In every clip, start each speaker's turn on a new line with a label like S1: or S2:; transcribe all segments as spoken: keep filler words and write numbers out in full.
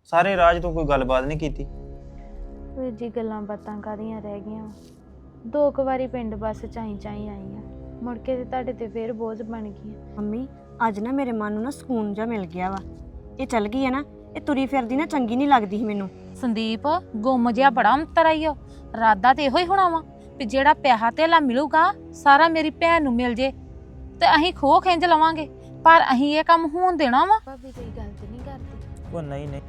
S1: ਸਾਰੇ ਰਾਜ ਤੂੰ ਕੋਈ ਗੱਲਬਾਤ ਨਹੀਂ ਕੀਤੀ।
S2: ਵੀਰ ਜੀ ਗੱਲਾਂ ਬਾਤਾਂ ਕਾਹਦੀਆਂ ਰਹਿ ਗਈਆਂ। ਦੋ ਕੁ ਵਾਰੀ ਪਿੰਡ ਬੱਸ ਚਾਈ ਚਾਈ ਆਈ ਆ, ਮੁੜ ਕੇ ਤੇ ਤੁਹਾਡੇ ਤੇ ਫੇਰ ਬੋਝ ਬਣ ਗਈ।
S3: ਮੰਮੀ ਅੱਜ ਨਾ ਮੇਰੇ ਮਨ ਨੂੰ ਨਾ ਸਕੂਨ ਜਿਹਾ ਮਿਲ ਗਿਆ ਵਾ। ਇਹ ਚੱਲ ਗਈ ਹੈ ਨਾ, ਇਹ ਤੁਰੀ ਫਿਰਦੀ ਨਾ ਚੰਗੀ ਨਹੀਂ ਲੱਗਦੀ ਸੀ ਮੈਨੂੰ।
S4: ਸੰਦੀਪ ਗੁੰਮ ਜਿਹਾ ਬੜਾ ਅੰਤਰ ਆਈ ਓ। ਰਾਦਾ ਤੇ ਇਹੋ ਹੀ ਹੋਣਾ ਵਾ ਵੀ ਜਿਹੜਾ ਪਿਆਹਾ ਧੇਲਾ ਮਿਲੂਗਾ ਸਾਰਾ ਮੇਰੀ ਭੈਣ ਨੂੰ ਮਿਲ ਜੇ ਤੇ ਅਸੀਂ ਖੋਹ ਖਿੰਝ ਲਵਾਂਗੇ, ਪਰ ਅਸੀਂ ਇਹ ਕੰਮ ਹੋਣ ਦੇਣਾ ਵਾ।
S2: ਭਾਬੀ ਕੋਈ ਗਲਤ ਨਹੀਂ ਕਰਦੀ।
S1: ਉਹ ਨਹੀਂ ਨਹੀਂ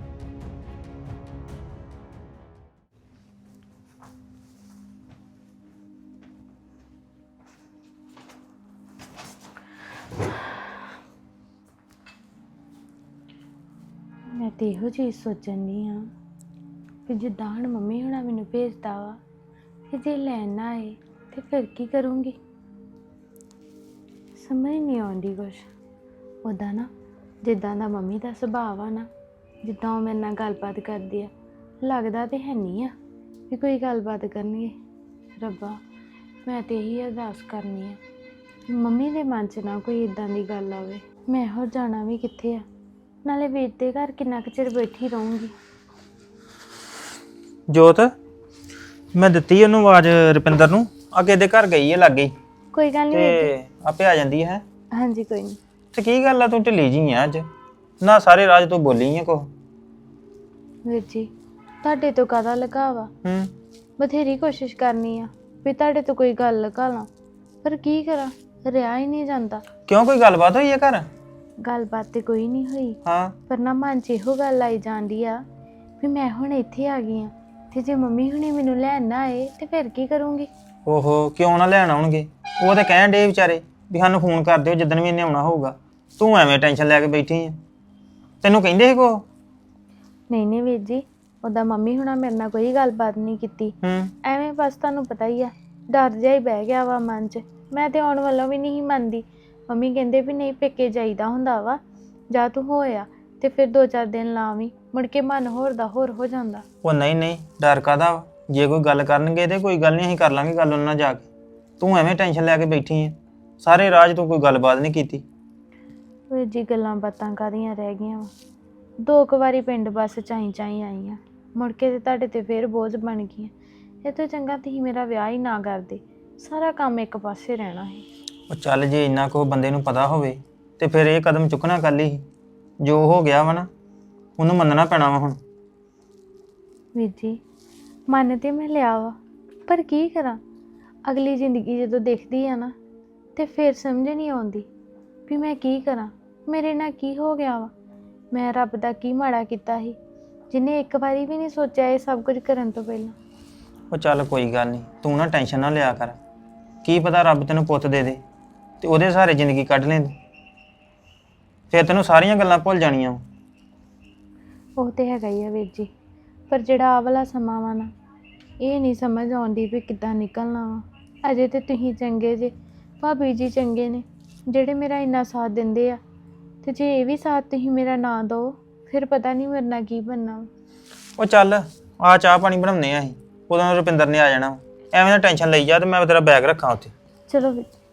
S2: ਮੈਂ ਤੇ ਇਹੋ ਚੀਜ਼ ਸੋਚਣ ਦੀ ਆ ਕਿ ਜਿੱਦਾਂ ਹੁਣ ਮੰਮੀ ਹੁਣਾ ਮੈਨੂੰ ਭੇਜਦਾ ਵਾ, ਕਿ ਜੇ ਲੈਣ ਨਾ ਆਏ ਤੇ ਫਿਰ ਕੀ ਕਰੂੰਗੀ। ਸਮਝ ਨਹੀਂ ਆਉਂਦੀ ਕੁਛ। ਉੱਦਾਂ ਨਾ ਜਿੱਦਾਂ ਦਾ ਮੰਮੀ ਦਾ ਸੁਭਾਅ ਆ ਨਾ, ਜਿੱਦਾਂ ਉਹ ਮੇਰੇ ਨਾਲ ਗੱਲਬਾਤ ਕਰਦੀ ਆ, ਲੱਗਦਾ ਤੇ ਹੈ ਨਹੀਂ ਆ ਵੀ ਕੋਈ ਗੱਲਬਾਤ ਕਰਨਗੇ। ਰੱਬਾ ਮੈਂ ਤੇ ਇਹੀ ਅਰਦਾਸ ਕਰਨੀ ਆ ਮੰਮੀ ਦੇ ਮਨ 'ਚ ਨਾ ਕੋਈ ਇਦਾਂ ਦੀ ਗੱਲ ਆਵੇ। ਮੈਂ ਹੋਰ ਜਾਣਾ ਵੀ ਕਿੱਥੇ ਆ, ਨਾਲੇ ਵੀਰ ਦੇ ਘਰ ਕਿੰਨਾ ਕੁ ਚਿਰ ਬੈਠੀ ਰਹੂੰਗੀ।
S1: ਜੋਤ ਮੈਂ ਦਿੱਤੀ ਉਹਨੂੰ ਆਵਾਜ਼ ਰੁਪਿੰਦਰ ਨੂੰ, ਅੱਗੇ ਦੇ ਘਰ ਗਈ ਹੈ ਲਾਗੇ
S2: ਕੋਈ ਗੱਲ ਨਹੀਂ ਵੀਰ
S1: ਤੇ ਆਪੇ ਆ ਜਾਂਦੀ ਹੈ।
S2: ਜੀ। ਹਾਂਜੀ ਕੋਈ ਨਹੀਂ।
S1: ਤੇ ਕੀ ਗੱਲ ਆ ਤੂੰ ਢਿੱਲੀ ਜੀ ਆ ਅੱਜ ਨਾ, ਸਾਰੇ ਰਾਜ ਤੂੰ ਬੋਲੀ ਆ ਕੋ।
S2: ਵੀਰ ਜੀ ਤੁਹਾਡੇ ਤੋਂ ਕਾਹਦਾ ਲਗਾਵਾ,
S1: ਹੂੰ
S2: ਬਥੇਰੀ ਕੋਸ਼ਿਸ਼ ਕਰਨੀ ਆ ਵੀ ਤੁਹਾਡੇ ਤੋਂ ਕੋਈ ਗੱਲ ਲਗਾ ਲਾਂ, ਪਰ ਕੀ ਕਰਾਂ, ਰਿਹਾ ਹੀ ਨਹੀਂ ਜਾਂਦਾ।
S1: ਕਿਉਂ ਕੋਈ ਗੱਲਬਾਤ ਹੋਈ ਹੈ ਘਰ?
S2: ਗੱਲਬਾਤ ਤੇ ਕੋਈ ਨਹੀਂ ਹੋਈ,
S1: ਹਾਂ
S2: ਪਰ ਨਾ ਮਨ 'ਚ ਇਹੋ ਗੱਲ ਆਈ ਜਾਂਦੀ ਆ ਵੀ ਮੈਂ ਹੁਣ ਇੱਥੇ ਆ ਗਈ ਆ ਤੇ ਜੇ ਮੰਮੀ ਹੁਣੇ ਮੈਨੂੰ ਲੈਣ ਨਾ ਆਏ ਤੇ ਫਿਰ ਕੀ ਕਰੂੰਗੀ।
S1: ਓਹੋ ਕਿਉਂ ਨਾ ਲੈਣ ਆਉਣਗੇ, ਉਹ ਤੇ ਕਹਿਣ ਡੇ ਵਿਚਾਰੇ ਵੀ ਸਾਨੂੰ ਫੋਨ ਕਰ ਦਿਓ ਜਿੱਦਣ ਵੀ ਇਹਨੇ ਆਉਣਾ ਹੋਊਗਾ। ਤੂੰ ਐਵੇਂ ਟੈਨਸ਼ਨ ਲੈ ਕੇ ਬੈਠੀ ਆ, ਤੈਨੂੰ ਕਹਿੰਦੇ ਸੀ ਕੋ?
S2: ਨਹੀਂ ਨਹੀਂ ਵੀਰ ਜੀ, ਉੱਦਾਂ ਮੰਮੀ ਹੁਣਾ ਮੇਰੇ ਨਾਲ ਕੋਈ ਗੱਲਬਾਤ ਨਹੀਂ ਕੀਤੀ।
S1: ਹੂੰ
S2: ਐਵੇਂ ਬਸ ਤੁਹਾਨੂੰ ਪਤਾ ਹੀ ਆ, ਡਰ ਜਿਹਾ ਹੀ ਬਹਿ ਗਿਆ ਵਾ ਮਨ 'ਚ। ਮੈਂ ਤੇ ਆਉਣ ਵੱਲੋਂ ਵੀ ਨਹੀਂ ਮੰਨਦੀ। ਮੰਮੀ ਕਹਿੰਦੇ ਵੀ ਨਹੀਂ ਪੇਕੇ ਜਾਈਦਾ ਹੁੰਦਾ ਵਾ, ਜਾਂ ਤੂੰ ਹੋਇਆ ਤੇ ਫਿਰ ਦੋ ਚਾਰ ਦਿਨ ਲਾਵੀਂ, ਮੁੜ ਕੇ ਮਨ ਹੋਰ ਦਾ ਹੋਰ ਹੋ ਜਾਂਦਾ।
S1: ਉਹ ਨਹੀਂ ਨਹੀਂ ਡਰ ਕਾਹਦਾ ਵਾ? ਜੇ ਕੋਈ ਗੱਲ ਕਰਨਗੇ ਤੇ ਕੋਈ ਗੱਲ ਨਹੀਂ, ਅਸੀਂ ਕਰ ਲਾਂਗੇ ਗੱਲ ਉਹਨਾਂ ਨਾਲ ਜਾ ਕੇ। ਤੂੰ ਐਵੇਂ ਟੈਨਸ਼ਨ ਲੈ ਕੇ ਬੈਠੀ ਆ, ਸਾਰੇ ਰਾਜ ਤੂੰ ਕੋਈ ਗੱਲਬਾਤ ਨਹੀਂ ਕੀਤੀ।
S2: ਵੀਰ ਜੀ ਗੱਲਾਂ ਬਾਤਾਂ ਕਾਹਦੀਆਂ ਰਹਿ ਗਈਆਂ ਵਾ। ਦੋ ਕੁ ਵਾਰੀ ਪਿੰਡ ਬੱਸ ਚਾਈ ਚਾਈ ਆਈ ਆ, ਮੁੜ ਕੇ ਤੇ ਤੁਹਾਡੇ ਤੇ ਫਿਰ ਬੋਝ ਬਣ ਗਈਆਂ। ਇਹ ਤੋਂ ਚੰਗਾ ਤੁਸੀਂ ਮੇਰਾ ਵਿਆਹ ਹੀ ਨਾ ਕਰਦੇ, ਸਾਰਾ ਕੰਮ ਇੱਕ ਪਾਸੇ ਰਹਿਣਾ ਹੈ।
S1: ਉਹ ਚੱਲ ਜੇ ਇੰਨਾ ਕੋ ਬੰਦੇ ਨੂੰ ਪਤਾ ਹੋਵੇ ਤੇ ਫਿਰ ਇਹ ਕਦਮ ਚੁੱਕਣਾ ਕੱਲ ਹੀ। ਜੋ ਹੋ ਗਿਆ ਵਾ ਨਾ ਉਹਨੂੰ ਮੰਨਣਾ ਪੈਣਾ ਵਾ ਹੁਣ।
S2: ਵੀਰ ਜੀ ਮੰਨ ਤੇ ਮੈਂ ਲਿਆ ਵਾ, ਪਰ ਕੀ ਕਰਾਂ, ਅਗਲੀ ਜ਼ਿੰਦਗੀ ਜਦੋਂ ਦੇਖਦੀ ਆ ਨਾ ਤੇ ਫਿਰ ਸਮਝ ਨਹੀਂ ਆਉਂਦੀ ਵੀ ਮੈਂ ਕੀ ਕਰਾਂ, ਮੇਰੇ ਨਾਲ ਕੀ ਹੋ ਗਿਆ ਵਾ। ਮੈਂ ਰੱਬ ਦਾ ਕੀ ਮਾੜਾ ਕੀਤਾ ਸੀ ਜਿਹਨੇ ਇੱਕ ਵਾਰੀ ਵੀ ਨਹੀਂ ਸੋਚਿਆ ਇਹ ਸਭ ਕੁਝ ਕਰਨ ਤੋਂ ਪਹਿਲਾਂ।
S1: ਉਹ ਚੱਲ ਕੋਈ ਗੱਲ ਨਹੀਂ, ਤੂੰ ਨਾ ਟੈਨਸ਼ਨ ਨਾ ਲਿਆ ਕਰ। ਕੀ ਪਤਾ ਰੱਬ ਤੈਨੂੰ ਪੁੱਤ ਦੇ ਦੇ ਤੇ ਉਹਦੇ ਸਹਾਰੇ ਜ਼ਿੰਦਗੀ ਕੱਢ ਲੈ, ਫਿਰ ਤੈਨੂੰ ਸਾਰੀਆਂ ਗੱਲਾਂ ਭੁੱਲ ਜਾਣੀਆਂ।
S2: ਉਹ ਤੇ ਹੈਗਾ ਹੀ ਆ ਵੀਰ ਜੀ, ਪਰ ਜਿਹੜਾ ਆਹ ਵਾਲਾ ਸਮਾਂ ਵਾ ਨਾ, ਇਹ ਨਹੀਂ ਸਮਝ ਆਉਂਦੀ ਵੀ ਕਿੱਦਾਂ ਨਿਕਲਣਾ ਵਾ। ਅਜੇ ਤੇ ਤੁਸੀਂ ਚੰਗੇ ਜੇ, ਭਾਬੀ ਜੀ ਚੰਗੇ ਨੇ ਜਿਹੜੇ ਮੇਰਾ ਇੰਨਾ ਸਾਥ ਦਿੰਦੇ ਆ, ਤੇ ਜੇ ਇਹ ਵੀ ਸਾਥ ਤੁਸੀਂ ਮੇਰਾ ਨਾ ਦਿਓ ਫਿਰ ਪਤਾ ਨਹੀਂ ਮੇਰੇ ਨਾਲ ਕੀ ਬਣਨਾ ਵਾ।
S1: ਉਹ ਚੱਲ ਆ ਚਾਹ ਪਾਣੀ ਬਣਾਉਂਦੇ ਆ ਅਸੀਂ, ਉਦੋਂ ਰੁਪਿੰਦਰ ਨੇ ਆ ਜਾਣਾ। ਐਵੇਂ ਨਾ ਟੈਨਸ਼ਨ ਲਈ ਜਾ ਤੇ ਮੈਂ ਤੇਰਾ ਬੈਗ ਰੱਖਾਂ ਉੱਥੇ।
S2: ਚਲੋ ਵੀਰ ਜੀ।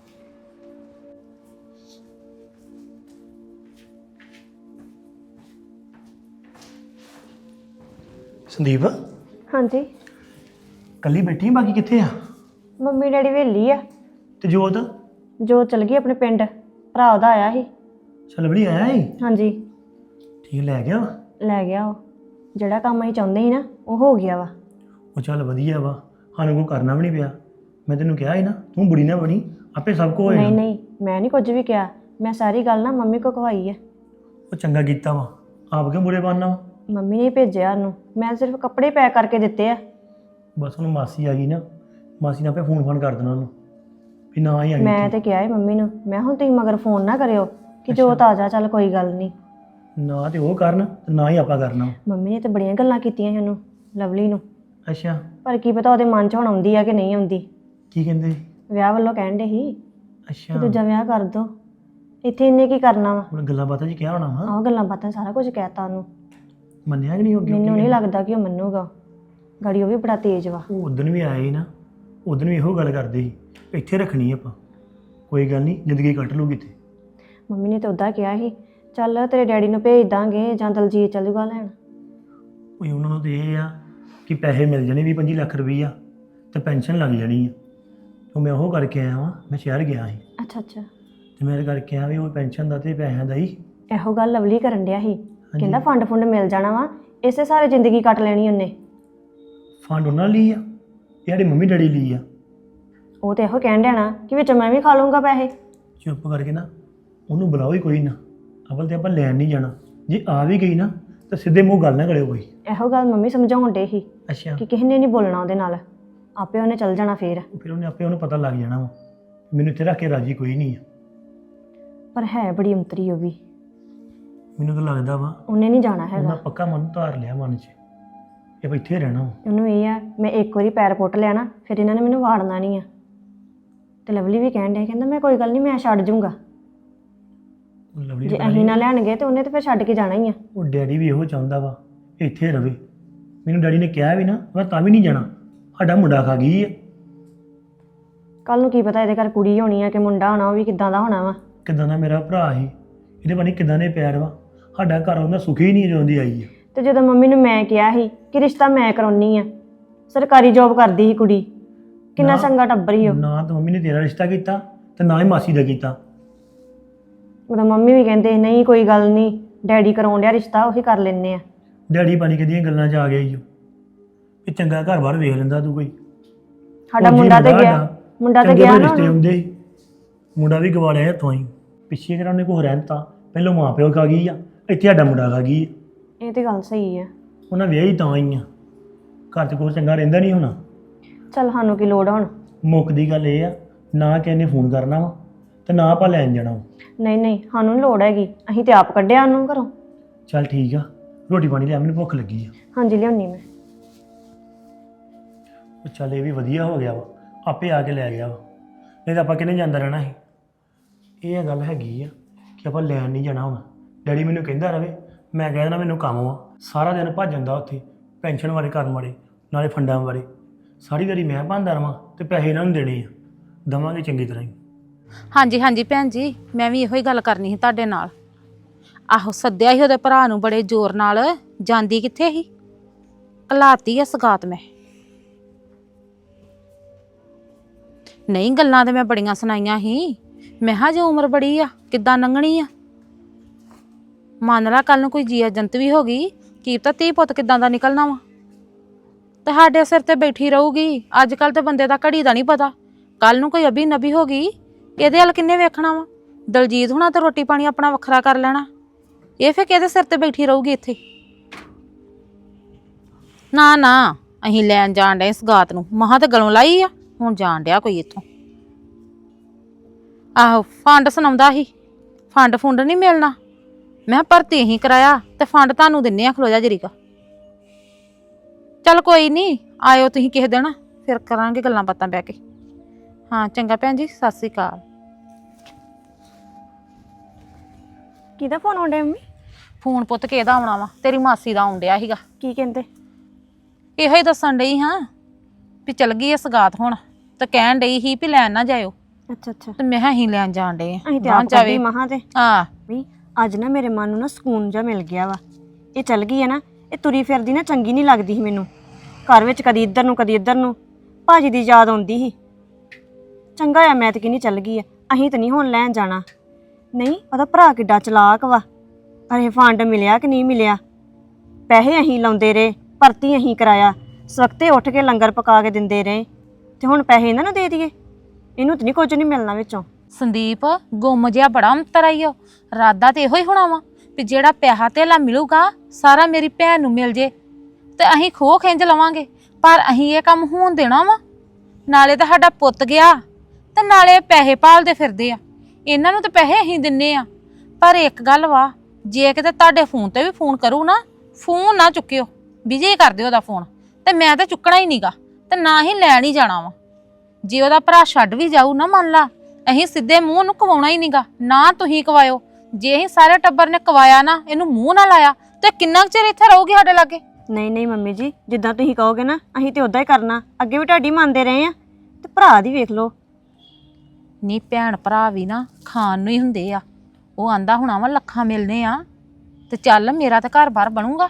S5: ਸੰਦੀਪ
S3: ਹਾਂਜੀ
S5: ਕੱਲੀ ਬੈਠੀ ਆਂ, ਬਾਕੀ ਕਿੱਥੇ ਆ?
S3: ਮੰਮੀ ਡੈਡੀ ਵੇਲੀ ਆ,
S5: ਤੇ ਜੋਤ?
S3: ਜੋ ਚਲ ਗਈ ਆਪਣੇ ਪਿੰਡ, ਭਰਾ ਉਹਦਾ ਆਇਆ ਸੀ।
S5: ਚੱਲ ਬੜੀ ਆਇਆ ਈ?
S3: ਹਾਂਜੀ
S5: ਠੀਕ ਲੈ ਗਿਆ ਵਾ?
S3: ਲੈ ਗਿਆ ਉਹ, ਜਿਹੜਾ ਕੰਮ ਅਸੀਂ ਚਾਹੁੰਦੇ ਸੀ ਨਾ ਉਹ ਹੋ ਗਿਆ ਵਾ।
S5: ਉਹ ਚੱਲ ਵਧੀਆ ਵਾ, ਸਾਨੂੰ ਕੋਈ ਕਰਨਾ ਵੀ ਨਹੀਂ ਪਿਆ। ਮੈਂ ਤੈਨੂੰ ਕਿਹਾ ਸੀ ਨਾ ਤੂੰ ਬੁੜੀ ਨਾ ਬਣੀ, ਆਪੇ ਸਭ ਕੁਝ ਹੋ
S3: ਨਹੀਂ
S5: ਜਾਣਾ।
S3: ਨਹੀਂ ਮੈਂ ਨਹੀਂ ਕੁਝ ਵੀ ਕਿਹਾ, ਮੈਂ ਸਾਰੀ ਗੱਲ ਨਾ ਮੰਮੀ ਕੋ ਕਵਾਈ ਹੈ।
S5: ਉਹ ਚੰਗਾ ਕੀਤਾ ਵਾ, ਆਪ ਕਿਉਂ ਬੁਰੇ ਬਣਨਾ ਵਾ?
S3: ਮੰਮੀ ਨੇ ਭੇਜਿਆ ਉਹਨੂੰ, ਮੈਂ ਸਿਰਫ ਕੱਪੜੇ ਪੈਕ ਕਰਕੇ ਦਿੱਤੇ ਆ।
S5: ਬਸ ਉਹਨੂੰ ਮਾਸੀ ਆ ਗਈ ਨਾ, ਮਾਸੀ ਨੇ ਆਪੇ ਫੋਨ ਫੋਨ ਕਰ ਦੇਣਾ ਉਹਨੂੰ ਵੀ ਨਾ ਹੀ ਆ ਗਈ।
S3: ਮੈਂ ਤੇ ਕਿਹਾ ਹੈ ਮੰਮੀ ਨੂੰ, ਮੈਂ ਹੁਣ ਤੁਸੀਂ ਮਗਰ ਫੋਨ ਨਾ ਕਰਿਓ ਕਿ ਜੋ ਤਾਜ਼ਾ ਚੱਲ ਕੋਈ ਗੱਲ ਨਹੀਂ।
S5: ਨਾ ਤੇ ਉਹ ਕਰਨ ਤੇ ਨਾ ਹੀ ਆਪਾਂ ਕਰਨਾ।
S3: ਮੰਮੀ ਨੇ ਤੇ ਬੜੀਆਂ ਗੱਲਾਂ ਕੀਤੀਆਂ ਸੀ ਉਹਨੂੰ, ਲਵਲੀ ਨੂੰ,
S5: ਅੱਛਾ
S3: ਪਰ ਕੀ ਪਤਾ ਉਹਦੇ ਮਨ 'ਚ ਹੁਣ ਆਉਂਦੀ ਆ ਕਿ ਨਹੀਂ ਆਉਂਦੀ।
S5: ਕੀ ਕਹਿੰਦੇ?
S3: ਵਿਆਹ ਵੱਲੋਂ ਕਹਿਣ ਦੇ ਸੀ ਕਿ
S5: ਅੱਛਾ
S3: ਦੂਜਾ ਵਿਆਹ ਕਰ ਦੋ, ਇੱਥੇ ਇਹਨੇ ਕੀ ਕਰਨਾ ਵਾ।
S5: ਹੁਣ ਗੱਲਾਂ ਬਾਤਾਂ 'ਚ ਕਿਹਾ ਹੋਣਾ ਵਾ,
S3: ਆਹ ਗੱਲਾਂ ਬਾਤਾਂ ਸਾਰਾ ਕੁਝ ਕਹਿਤਾ ਉਹਨੂੰ।
S5: ਮੰਨਿਆ ਕਿ ਨਹੀਂ? ਹੋ
S3: ਮੈਨੂੰ ਨਹੀਂ ਲੱਗਦਾ ਕਿ ਉਹ ਮੰਨੂਗਾ, ਗਾੜੀ ਉਹ ਵੀ ਬੜਾ ਤੇਜ਼ ਵਾ।
S5: ਉਹ ਉਦੋਂ ਵੀ ਆਏ ਸੀ ਨਾ, ਉਦੋਂ ਵੀ ਇਹੋ ਗੱਲ ਕਰਦੇ ਸੀ ਇੱਥੇ ਰੱਖਣੀ ਆਪਾਂ, ਕੋਈ ਗੱਲ ਨਹੀਂ ਜ਼ਿੰਦਗੀ ਕੱਟ ਲੂਗੀ ਇੱਥੇ।
S3: ਮੰਮੀ ਨੇ ਤਾਂ ਉੱਦਾਂ ਕਿਹਾ ਸੀ ਚੱਲ ਤੇਰੇ ਡੈਡੀ ਨੂੰ ਭੇਜ ਦਾਂਗੇ ਜਾਂ ਦਲਜੀਤ ਚੱਲ ਜੂਗਾ ਲੈਣ।
S5: ਕੋਈ ਉਹਨਾਂ ਨੂੰ ਤੇ ਇਹ ਆ ਕਿ ਪੈਸੇ ਮਿਲ ਜਾਣੇ ਵੀਹ ਪੰਜੀ ਲੱਖ ਰੁਪਈਆ ਤੇ ਪੈਨਸ਼ਨ ਲੱਗ ਜਾਣੀ ਆ। ਤਾਂ ਮੈਂ ਉਹ ਕਰਕੇ ਆਇਆ ਵਾਂ, ਮੈਂ ਸ਼ਹਿਰ ਗਿਆ ਸੀ
S3: ਅੱਛਾ ਅੱਛਾ।
S5: ਤੇ ਮੇਰੇ ਕਰਕੇ ਆ ਵੀ ਉਹ ਪੈਨਸ਼ਨ ਦਾ ਤੇ ਪੈਸਿਆਂ ਦਾ ਹੀ
S3: ਇਹੋ ਗੱਲ ਲਵਲੀ ਕਰਨ ਡਿਆ ਸੀ, ਕਹਿੰਦਾ ਫੰਡ ਫੁੰਡ ਮਿਲ ਜਾਣਾ ਵਾ, ਇਸੇ ਸਾਰੇ ਜ਼ਿੰਦਗੀ ਕੱਟ ਲੈਣੀ ਉਹਨੇ।
S5: ਫੰਡ ਉਹਨਾਂ ਲਈ ਆ, ਇਹ ਸਾਡੇ ਮੰਮੀ ਡੈਡੀ ਲਈ ਆ।
S3: ਉਹ ਤੇ ਇਹੋ ਕਹਿਣ ਡਿਆ ਨਾ ਕਿ ਵਿੱਚ ਮੈਂ ਵੀ ਖਾ ਲੂੰਗਾ ਪੈਸੇ।
S5: ਚੁੱਪ ਕਰਕੇ ਨਾ ਉਹਨੂੰ ਬੁਲਾਓ ਹੀ ਕੋਈ ਨਾ, ਅਵਲ ਤੇ ਆਪਾਂ ਲੈਣ ਨਹੀਂ ਜਾਣਾ। ਜੇ ਆ ਵੀ ਗਈ ਨਾ ਤਾਂ ਸਿੱਧੇ ਮੂੰਹ ਗੱਲ ਨਾ ਕਰਿਓ ਕੋਈ।
S3: ਇਹੋ ਗੱਲ ਮੰਮੀ ਸਮਝਾਉਣ ਡੇ ਸੀ
S5: ਅੱਛਾ।
S3: ਕਿ ਕਿਸੇ ਨੇ ਨਹੀਂ ਬੋਲਣਾ ਉਹਦੇ ਨਾਲ, ਆਪੇ ਉਹਨੇ ਚੱਲ ਜਾਣਾ ਫੇਰ।
S5: ਫਿਰ ਉਹਨੇ ਆਪੇ ਉਹਨੂੰ ਪਤਾ ਲੱਗ ਜਾਣਾ ਵਾ ਮੈਨੂੰ ਇੱਥੇ ਰੱਖ ਕੇ ਰਾਜੀ ਕੋਈ ਨਹੀਂ ਆ।
S3: ਪਰ ਹੈ ਬੜੀ ਅੰਤਰੀ ਉਹ ਵੀ,
S5: ਮੈਨੂੰ ਤਾਂ ਲੱਗਦਾ ਵਾ
S3: ਉਹਨੇ ਨਹੀਂ ਜਾਣਾ
S5: ਉਹਨਾਂ
S3: ਹੈਗਾ।
S5: ਪੱਕਾ ਮਨ ਧਾਰ ਲਿਆ ਮਨ 'ਚ ਇਹ ਵੀ ਇੱਥੇ ਰਹਿਣਾ ਵਾ।
S3: ਉਹਨੂੰ ਇਹ ਆ ਮੈਂ ਇੱਕ ਵਾਰੀ ਪੈਰ ਪੁੱਟ ਲਿਆ ਨਾ ਫਿਰ ਇਹਨਾਂ ਨੇ ਮੈਨੂੰ ਵਾੜਨਾ ਨਹੀਂ ਆ। ਤੇ ਲਵਲੀ ਵੀ ਕਹਿਣ ਡਿਆ, ਕਹਿੰਦਾ ਮੈਂ ਕੋਈ ਗੱਲ ਨਹੀਂ, ਮੈਂ ਛੱਡ ਜੂੰਗਾ।
S5: ਲਵਲੀ
S3: ਜੇ
S5: ਪਤਾ
S3: ਅਸੀਂ
S5: ਨੀ,
S3: ਨਾ ਲੈਣਗੇ ਤੇ ਉਹਨੇ ਤੇ ਫਿਰ ਛੱਡ ਕੇ ਜਾਣਾ ਹੀ ਆ।
S5: ਉਹ ਡੈਡੀ ਵੀ ਇਹੋ ਚਾਹੁੰਦਾ ਵਾ ਇੱਥੇ ਰਵੇ। ਮੈਨੂੰ ਡੈਡੀ ਨੇ ਕਿਹਾ ਵੀ ਨਾ ਮੈਂ ਤਾਂ ਵੀ ਨਹੀਂ ਜਾਣਾ, ਸਾਡਾ ਮੁੰਡਾ ਖਾ ਗਈ ਆ।
S3: ਕੱਲ ਨੂੰ ਕੀ ਪਤਾ ਇਹਦੇ ਘਰ ਕੁੜੀ ਹੋਣੀ ਆ ਕਿ ਮੁੰਡਾ ਹੋਣਾ, ਉਹ ਵੀ ਕਿੱਦਾਂ ਦਾ ਹੋਣਾ ਵਾ।
S5: ਕਿੱਦਾਂ ਦਾ ਮੇਰਾ ਭਰਾ ਸੀ, ਇਹਦੇ ਬਾਰੇ ਕਿੱਦਾਂ ਦੇ ਪਿਆਰ ਵਾ। ਸਾਡਾ ਘਰ ਉਹਨਾਂ ਸੁਖੀ ਹੀ ਨਹੀਂ ਜਿਉਂਦੀ ਆਈ ਆ।
S3: ਤੇ ਜਦੋਂ ਮੰਮੀ ਨੂੰ ਮੈਂ ਕਿਹਾ ਸੀ ਕਿ ਰਿਸ਼ਤਾ ਮੈਂ ਕਰਾਉਣੀ ਆ, ਸਰਕਾਰੀ ਜੋਬ ਕਰਦੀ ਸੀ ਕੁੜੀ, ਕਿੰਨਾ
S5: ਨਾ-
S3: ਚੰਗਾ ਟੱਬਰ ਹੀ ਉਹ।
S5: ਨਾ ਤਾਂ ਮੰਮੀ ਨੇ ਤੇਰਾ ਰਿਸ਼ਤਾ ਕੀਤਾ ਤੇ ਨਾ ਹੀ ਮਾਸੀ ਦਾ ਕੀਤਾ।
S3: ਉਹਦਾ ਮੰਮੀ ਵੀ ਕਹਿੰਦੇ ਨਹੀਂ ਕੋਈ ਗੱਲ ਨਹੀਂ, ਡੈਡੀ ਕਰਾਉਣ ਡਿਆ ਰਿਸ਼ਤਾ, ਉਹੀ ਕਰ ਲੈਨੇ ਆ।
S5: ਡੈਡੀ ਪਾਣੀ ਕਿਹਦੀਆਂ ਗੱਲਾਂ 'ਚ ਆ ਗਿਆ ਈ ਓ। ਇਹ ਚੰਗਾ ਘਰ ਬਾਹਰ ਵੇਖ ਲੈਂਦਾ ਤੂੰ ਕੋਈ।
S3: ਸਾਡਾ
S5: ਫੌਜੀ
S3: ਮੁੰਡਾ ਤੇ ਗਿਆ,
S5: ਸਾਡਾ,
S3: ਮੁੰਡਾ ਤੇ
S5: ਚੰਗੇ
S3: ਗਿਆ
S5: ਭਲੇ
S3: ਨਾ
S5: ਰਿਸ਼ਤੇ
S3: ਹੁਣ।
S5: ਹੁੰਦੇ ਸੀ, ਮੁੰਡਾ ਵੀ ਗਵਾ ਲਿਆ ਹੱਥੋਂ ਹੀ। ਪਿੱਛੇ ਕਿਹੜਾ ਉਹਨੇ ਕੋਈ ਰਹਿਣ ਤਾ, ਪਹਿਲੋਂ ਮਾਂ ਪਿਓ ਖਾ ਗਈ ਆ, ਇੱਥੇ ਸਾਡਾ ਮੁੰਡਾ ਖਾ ਗਈ ਆ।
S3: ਇਹ ਤੇ ਗੱਲ ਸਹੀ ਆ।
S5: ਉਹਨਾਂ ਵਿਆਹੀ ਤਾਂ ਹੀ ਆ, ਘਰ 'ਚ ਕੋਈ ਚੰਗਾ ਰਹਿੰਦਾ ਨਹੀਂ ਹੋਣਾ।
S3: ਚੱਲ ਸਾਨੂੰ ਕੀ ਲੋੜ ਹੁਣ।
S5: ਮੁੱਕ ਦੀ ਗੱਲ ਇਹ ਆ, ਨਾ ਕਿਸੇ ਨੇ ਫੋਨ ਕਰਨਾ ਵਾ ਤੇ ਨਾ ਆਪਾਂ ਲੈਣ ਜਾਣਾ ਵਾ।
S3: ਨਹੀਂ ਨਹੀਂ ਸਾਨੂੰ ਨੀ ਲੋੜ ਹੈਗੀ, ਅਸੀਂ ਤੇ ਆਪ ਕੱਢਿਆ ਉਹਨੂੰ ਘਰੋਂ।
S5: ਚੱਲ ਠੀਕ ਆ, ਰੋਟੀ ਪਾਣੀ ਲਿਆ, ਮੈਨੂੰ ਭੁੱਖ ਲੱਗੀ ਆ।
S3: ਹਾਂਜੀ ਲਿਆਉਣੀ ਮੈਂ।
S5: ਉਹ ਚੱਲ ਇਹ ਵੀ ਵਧੀਆ ਹੋ ਗਿਆ ਵਾ, ਆਪੇ ਆ ਕੇ ਲੈ ਗਿਆ ਵਾ, ਨਹੀਂ ਤਾਂ ਆਪਾਂ ਕਿਹਨੇ ਜਾਂਦਾ ਰਹਿਣਾ ਸੀ। ਇਹ ਗੱਲ ਹੈਗੀ ਆ ਕਿ ਆਪਾਂ ਲੈਣ ਨਹੀਂ ਜਾਣਾ ਹੁਣ। ਡੈਡੀ ਮੈਨੂੰ ਕਹਿੰਦਾ ਰਵੇ, ਮੈਂ ਕਹਿ ਦੇਣਾ ਮੈਨੂੰ ਕੰਮ ਵਾ, ਸਾਰਾ ਦਿਨ ਭੱਜ ਜਾਂਦਾ ਉੱਥੇ ਪੈਨਸ਼ਨ ਬਾਰੇ ਕਰਨ ਵਾਲੇ ਨਾਲੇ ਫੰਡਾਂ ਬਾਰੇ। ਸਾਰੀ ਵਾਰੀ ਮੈਂ ਭਾਂਦਾ ਰਵਾਂ ਤੇ ਪੈਸੇ ਇਹਨਾਂ ਨੂੰ ਦੇਣੇ ਆ, ਦੇਵਾਂਗੇ ਚੰਗੀ ਤਰ੍ਹਾਂ ਹੀ।
S4: ਹਾਂਜੀ ਹਾਂਜੀ ਭੈਣ ਜੀ, ਮੈਂ ਵੀ ਇਹੋ ਹੀ ਗੱਲ ਕਰਨੀ ਸੀ ਤੁਹਾਡੇ ਨਾਲ। ਆਹੋ ਸੱਦਿਆ ਸੀ ਉਹਦੇ ਭਰਾ ਨੂੰ ਬੜੇ ਜ਼ੋਰ ਨਾਲ, ਜਾਂਦੀ ਕਿੱਥੇ ਸੀ, ਘਲਾਤੀ ਆ ਸਗਾਤ ਮੈਂ। ਨਹੀਂ ਗੱਲਾਂ ਤੇ ਮੈਂ ਬੜੀਆਂ ਸੁਣਾਈਆਂ ਸੀ, ਮੈਂ ਕਿਹਾ ਜੇ ਉਮਰ ਬੜੀ ਆ ਕਿੱਦਾਂ ਲੰਘਣੀ ਆ। ਮੰਨ ਲਾ ਕੱਲ ਨੂੰ ਕੋਈ ਜੀਆ ਜੰਤ ਵੀ ਹੋ ਗਈ, ਕੀ ਪਤਾ ਧੀ ਪੁੱਤ ਕਿੱਦਾਂ ਦਾ ਨਿਕਲਣਾ ਵਾ। ਤੇ ਸਾਡੇ ਸਿਰ ਤੇ ਬੈਠੀ ਰਹੂਗੀ। ਅੱਜ ਕੱਲ ਤੇ ਬੰਦੇ ਦਾ ਘੜੀ ਦਾ ਨਹੀਂ ਪਤਾ, ਕੱਲ ਨੂੰ ਕੋਈ ਅਭੀ ਨਬੀ ਹੋ ਗਈ, ਇਹਦੇ ਵੱਲ ਕਿੰਨੇ ਵੇਖਣਾ ਵਾ। ਦਲਜੀਤ ਹੁਣਾ ਤੇ ਰੋਟੀ ਪਾਣੀ ਆਪਣਾ ਵੱਖਰਾ ਕਰ ਲੈਣਾ, ਇਹ ਫੇ ਕਿਹਦੇ ਸਿਰ ਤੇ ਬੈਠੀ ਰਹੂਗੀ ਇੱਥੇ। ਨਾ ਨਾ ਅਸੀਂ ਲੈਣ ਜਾਣ ਡੇ ਸਗਾਤ ਨੂੰ, ਮਹਾਂ ਤੇ ਗਲੋਂ ਲਾਈ ਆ, ਹੁਣ ਜਾਣ ਡਿਆ ਕੋਈ ਇੱਥੋਂ। ਆਹੋ ਫੰਡ ਸੁਣਾਉਂਦਾ ਸੀ, ਫੰਡ ਫੁੰਡ ਨਹੀਂ ਮਿਲਣਾ। ਮੈਂ ਭਰਤੀ ਹੀ ਕਰਾਇਆ ਤੇ ਫੰਡ ਤੁਹਾਨੂੰ ਦਿੰਨੇ ਆ, ਖਲੋ ਜਾ ਜਰੀਕਾ। ਚੱਲ ਕੋਈ ਨਹੀਂ, ਆਇਓ ਤੁਸੀਂ ਕਿਸੇ ਦਿਨ, ਫਿਰ ਕਰਾਂਗੇ ਗੱਲਾਂ ਬਾਤਾਂ ਬਹਿ ਕੇ। ਹਾਂ ਚੰਗਾ ਭੈਣ ਜੀ, ਸਤਿ ਸ੍ਰੀ ਅਕਾਲ।
S3: ਕਿਹਦਾ ਫੋਨ ਆਉਂਦਾ ਮੰਮੀ?
S4: ਫੋਨ ਪੁੱਤ ਕਿਹਦਾ ਆਉਣਾ ਵਾ, ਤੇਰੀ ਮਾਸੀ ਦਾ ਆਉਣ ਡਿਆ ਸੀਗਾ।
S3: ਕੀ ਕਹਿੰਦੇ?
S4: ਇਹੋ ਹੀ ਦੱਸਣ ਡਈ ਹਾਂ ਵੀ ਚਲ ਗਈ ਐ ਸਗਾਤ ਹੁਣ, ਤੇ ਕਹਿਣ ਡਈ ਸੀ ਵੀ ਲੈਣ ਨਾ ਜਾਇਓ,
S3: ਅੱਛਾ ਅੱਛਾ।
S4: ਤੇ ਮੈਂ ਕਿਹਾ ਅਸੀਂ ਲੈਣ ਜਾਣ ਡੇ
S3: ਅਸੀਂ ਤੇ
S4: ਆ
S3: ਆਪ ਕੱਢੀ ਮਹਾਂ ਤੇ।
S4: ਆ
S3: ਵੀ ਅੱਜ ਨਾ ਮੇਰੇ ਮਨ ਨੂੰ ਨਾ ਸਕੂਨ ਜਿਹਾ ਮਿਲ ਗਿਆ ਵਾ। ਇਹ ਚੱਲ ਗਈ ਹੈ ਨਾ, ਇਹ ਤੁਰੀ ਫਿਰਦੀ ਨਾ ਚੰਗੀ ਨਹੀਂ ਲੱਗਦੀ ਸੀ ਮੈਨੂੰ। ਘਰ ਵਿੱਚ ਕਦੀ ਇੱਧਰ ਨੂੰ ਕਦੀ ਇੱਧਰ ਨੂੰ, ਭਾਜੀ ਦੀ ਯਾਦ ਆਉਂਦੀ ਸੀ। ਚੰਗਾ ਆ ਮੈਂ ਤੇ ਕਿੰਨੀ ਚੱਲ ਗਈ ਆ, ਅਸੀਂ ਤਾਂ ਨਹੀਂ ਹੁਣ ਲੈਣ ਜਾਣਾ। ਨਹੀਂ ਉਹਦਾ ਭਰਾ ਕਿੱਡਾ ਚਲਾਕ ਵਾ, ਅਰੇ ਫੰਡ ਮਿਲਿਆ ਕਿ ਨਹੀਂ ਮਿਲਿਆ, ਪੈਸੇ ਅਸੀਂ ਲਾਉਂਦੇ ਰਹੇ, ਭਰਤੀ ਅਸੀਂ ਕਰਾਇਆ, ਸਵਖਤੇ ਉੱਠ ਕੇ ਲੰਗਰ ਪਕਾ ਕੇ ਦਿੰਦੇ ਰਹੇ, ਤੇ ਹੁਣ ਪੈਸੇ ਇਹਨਾਂ ਨੂੰ ਦੇ ਦਈਏ? ਇਹਨੂੰ ਤਾਂ ਨਹੀਂ ਕੁਝ ਨਹੀਂ ਮਿਲਣਾ ਵਿੱਚੋਂ।
S4: ਸੰਦੀਪ ਗੁੰਮ ਜਿਹਾ ਬੜਾ ਅੰਤਰ ਆਈ ਓ, ਰਾਦਾ ਤੇ ਇਹੋ ਹੀ ਹੋਣਾ ਵਾ ਵੀ ਜਿਹੜਾ ਪੈਸਾ ਧੇਲਾ ਮਿਲੂਗਾ ਸਾਰਾ ਮੇਰੀ ਭੈਣ ਨੂੰ ਮਿਲ ਜੇ ਤੇ ਅਸੀਂ ਖੋਹ ਖਿੰਝ ਲਵਾਂਗੇ। ਪਰ ਅਸੀਂ ਇਹ ਕੰਮ ਹੋਣ ਦੇਣਾ ਵਾ? ਨਾਲੇ ਤਾਂ ਸਾਡਾ ਪੁੱਤ ਗਿਆ ਤੇ ਨਾਲੇ ਪੈਸੇ ਭਾਲਦੇ ਫਿਰਦੇ ਆ, ਇਹਨਾਂ ਨੂੰ ਤਾਂ ਪੈਸੇ ਅਸੀਂ ਦਿੰਨੇ ਆ। ਪਰ ਇੱਕ ਗੱਲ ਵਾ, ਜੇ ਕਿਤੇ ਤੁਹਾਡੇ ਫੋਨ ਤੇ ਵੀ ਫੋਨ ਕਰੂ ਨਾ, ਫੋਨ ਨਾ ਚੁੱਕਿਓ, ਬਿਜੀ ਕਰ ਦਿਓ ਉਹਦਾ ਫੋਨ, ਤੇ ਮੈਂ ਤਾਂ ਚੁੱਕਣਾ ਹੀ ਨਹੀਂਗਾ ਤੇ ਨਾ ਹੀ ਲੈਣ ਹੀ ਜਾਣਾ ਵਾ। ਜੇ ਉਹਦਾ ਭਰਾ ਛੱਡ ਵੀ ਜਾਊ ਨਾ, ਮੰਨ ਲਾ, ਅਸੀਂ ਸਿੱਧੇ ਮੂੰਹ ਨੂੰ ਕਵਾਉਣਾ ਹੀ ਨਹੀਂਗਾ, ਨਾ ਤੁਸੀਂ ਕਵਾਇਓ। ਜੇ ਅਸੀਂ ਸਾਰੇ ਟੱਬਰ ਨੇ ਕਵਾਇਆ ਨਾ, ਇਹਨੂੰ ਮੂੰਹ ਨਾ ਲਾਇਆ, ਤੇ ਕਿੰਨਾ ਕੁ ਚਿਰ ਇੱਥੇ ਰਹੂਗੀ ਸਾਡੇ ਲਾਗੇ?
S3: ਨਹੀਂ ਨਹੀਂ ਮੰਮੀ ਜੀ, ਜਿੱਦਾਂ ਤੁਸੀਂ ਕਹੋਗੇ ਨਾ ਅਸੀਂ ਤੇ ਉਦਾਂ ਹੀ ਕਰਨਾ, ਅੱਗੇ ਵੀ ਤੁਹਾਡੀ ਮੰਨਦੇ ਰਹੇ ਆ। ਤੇ ਭਰਾ ਦੀ ਵੇਖ ਲਓ।
S4: ਨੀ ਭੈਣ ਭਰਾ ਵੀ ਨਾ ਖਾਣ ਨੂੰ ਹੀ ਹੁੰਦੇ ਆ। ਉਹ ਆਂਦਾ ਹੋਣਾ ਵਾ ਲੱਖਾਂ ਮਿਲਨੇ ਆ, ਤੇ ਚੱਲ ਮੇਰਾ ਤਾਂ ਘਰ ਬਾਰ ਬਣੂਗਾ,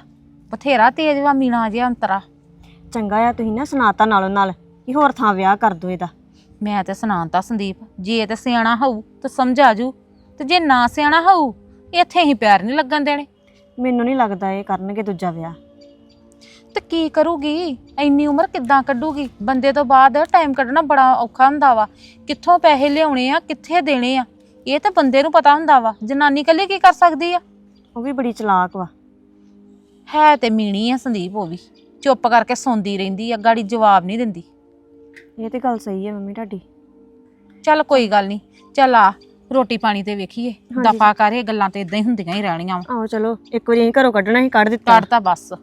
S4: ਬਥੇਰਾ ਤੇਜ਼ ਵਾ ਮੀਣਾ ਜਿਹਾ ਅੰਤਰਾ।
S3: ਚੰਗਾ ਆ ਤੁਸੀਂ ਨਾ ਸੁਣਾਤਾ ਨਾਲੋਂ ਨਾਲ ਕਿ ਹੋਰ ਥਾਂ ਵਿਆਹ ਕਰ ਦੋ ਇਹਦਾ।
S4: ਮੈਂ ਤੇ ਸੁਣਾਤਾ ਸੰਦੀਪ, ਜੇ ਤੇ ਸਿਆਣਾ ਹੋਊ ਤੇ ਸਮਝਾ ਜੂ, ਤੇ ਜੇ ਨਾ ਸਿਆਣਾ ਹੋਊ ਇੱਥੇ ਹੀ ਪਿਆਰ ਨਹੀਂ ਲੱਗਣ ਦੇਣੇ।
S3: ਮੈਨੂੰ ਨਹੀਂ ਲੱਗਦਾ ਇਹ ਕਰਨਗੇ ਦੂਜਾ ਵਿਆਹ।
S4: ਤੇ ਕੀ ਕਰੂਗੀ, ਇੰਨੀ ਉਮਰ ਕਿੱਦਾਂ ਕੱਢੂਗੀ? ਬੰਦੇ ਤੋਂ ਬਾਅਦ ਟਾਈਮ ਕੱਢਣਾ ਬੜਾ ਔਖਾ ਹੁੰਦਾ ਵਾ। ਕਿੱਥੋਂ ਪੈਸੇ ਲਿਆਉਣੇ ਆ, ਕਿੱਥੇ ਦੇਣੇ ਆ, ਇਹ ਤਾਂ ਬੰਦੇ ਨੂੰ ਪਤਾ ਹੁੰਦਾ ਵਾ। ਜਨਾਨੀ ਇਕੱਲੀ ਕੀ ਕਰ ਸਕਦੀ ਆ?
S3: ਉਹ ਵੀ ਬੜੀ ਚਲਾਕ ਵਾ।
S4: ਹੈ ਤੇ ਮੀਣੀ ਆ ਸੰਦੀਪ, ਉਹ ਵੀ ਚੁੱਪ ਕਰਕੇ ਸੌਂਦੀ ਰਹਿੰਦੀ ਆ, ਗਾੜੀ ਜਵਾਬ ਨਹੀਂ ਦਿੰਦੀ।
S3: ਇਹ ਤੇ ਗੱਲ ਸਹੀ ਹੈ ਮੰਮੀ ਤੁਹਾਡੀ।
S4: ਚੱਲ ਕੋਈ ਗੱਲ ਨਹੀਂ, ਚੱਲ ਆ ਰੋਟੀ ਪਾਣੀ ਤੇ ਵੇਖੀਏ। ਦਫਾ ਕਰ, ਇਹ ਗੱਲਾਂ ਤੇ ਇਦਾਂ ਹੀ ਹੁੰਦੀਆਂ ਹੀ ਰਹਿਣੀਆਂ ਵਾ।
S3: ਆਹੋ ਚਲੋ, ਇੱਕ ਵਾਰੀ ਅਸੀਂ ਘਰੋਂ ਕੱਢਣਾ ਸੀ, ਕੱਢ ਦਿੱਤਾ।
S4: ਕੱਢਤਾ ਬਸ।